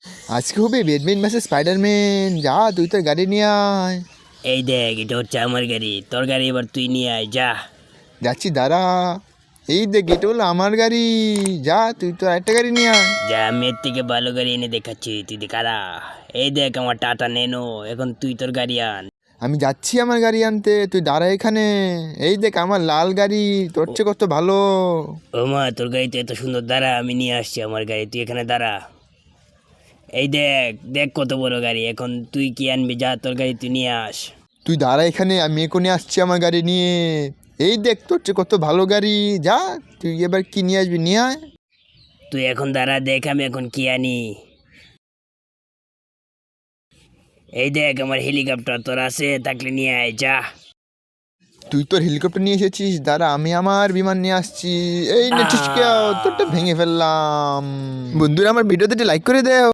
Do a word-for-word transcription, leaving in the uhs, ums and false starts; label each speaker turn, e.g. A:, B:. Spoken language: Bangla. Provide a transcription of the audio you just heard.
A: আজকে হবে ব্যাটম্যান ভার্সেস স্পাইডারম্যান। যা তুই তোর গাড়ি নিয়ে আয়।
B: এই দেখ, এটা হচ্ছে আমার গাড়ি, তোর গাড়ি এবার তুই নিয়ে আয়, যা।
A: যাচ্ছি দাঁড়া। এই দেখ এটা হলো আমার গাড়ি। যা তুই তো একটা গাড়ি নিয়ে আয়।
B: যা, আমি এর থেকে ভালো গাড়ি এনে দেখাচ্ছি, তুই দেখারা। এই দেখ আমার টাটা নেনো, এখন তুই তোর গাড়ি আন।
A: আমি যাচ্ছি আমার গাড়ি আনতে, তুই দাঁড়া এখানে। এই দেখ আমার লাল গাড়ি, তোর চেয়ে কত ভালো।
B: ও মা, তোর গাড়ি তো এত সুন্দর, দাঁড়া আমি নিয়ে আসছি আমার গাড়ি, তুই এখানে দাঁড়া। এই দেখ দেখ কত বড় গাড়ি, এখন তুই কি আনবি, যা তোর গাড়ি তুই নিয়ে আস।
A: তুই দাঁড়া এখানে, আমি এখনই আসছি আমার গাড়ি নিয়ে। এই দেখ তোর চেয়ে কত ভালো গাড়ি। যা তুই এবার কি নিয়ে আসবি নিয়ে আয়।
B: তুই এখন দাঁড়া, দেখ আমি এখন কি আনি। এই দেখ আমার হেলিকপ্টার, তোর আছে থাকলে নিয়ে আয়, যা।
A: তুই তোর হেলিকপ্টার নিয়ে এসেছিস, দাঁড়া আমি আমার বিমান নিয়ে আসছি। এই নেছিস কেউ, তোরটা ভেঙে ফেললাম। বন্ধুরা আমার ভিডিওতে লাইক করে দেও।